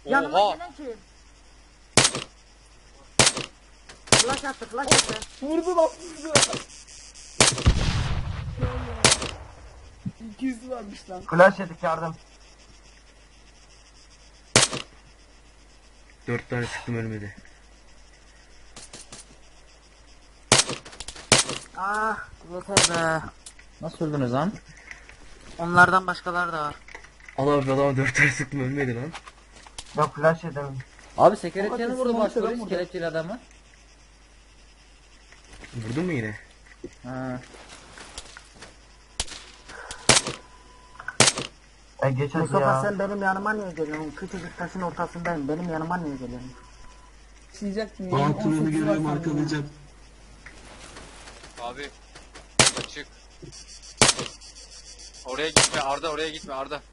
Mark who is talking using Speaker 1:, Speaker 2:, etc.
Speaker 1: Yanıma
Speaker 2: Oha.
Speaker 1: gelen kim? Flash attı, flash attı.
Speaker 3: Vurdu lan vurdu. 200 varmış lan.
Speaker 4: Flash yedik yardım.
Speaker 5: 4 tane sıktım ölmedi.
Speaker 1: Ah, yeter be.
Speaker 6: Nasıl öldünüz lan?
Speaker 1: Onlardan başkaları da var.
Speaker 5: Allah abi adama 4 tane sıktım ölmedi lan.
Speaker 4: Yok flash yedim.
Speaker 6: Abi sekeretçeni
Speaker 3: Abi,
Speaker 6: vurdu
Speaker 3: smoke
Speaker 6: başpolis
Speaker 3: falan vurdu.
Speaker 6: kelepçeli adamı.
Speaker 5: Vurdun mu yine?
Speaker 6: Ha.
Speaker 4: Geç hadi
Speaker 1: Mustafa
Speaker 4: ya.
Speaker 1: sen benim yanıma niye geliyorsun? Küçücük taşın ortasındayım. Benim yanıma niye geliyorsun?
Speaker 3: Çiğecek mi?
Speaker 7: Aa Turan'ı
Speaker 3: 18
Speaker 7: görüyorum
Speaker 3: var
Speaker 7: arkalayacağım.
Speaker 2: Abi. Açık. Oraya gitme Arda, oraya gitme Arda.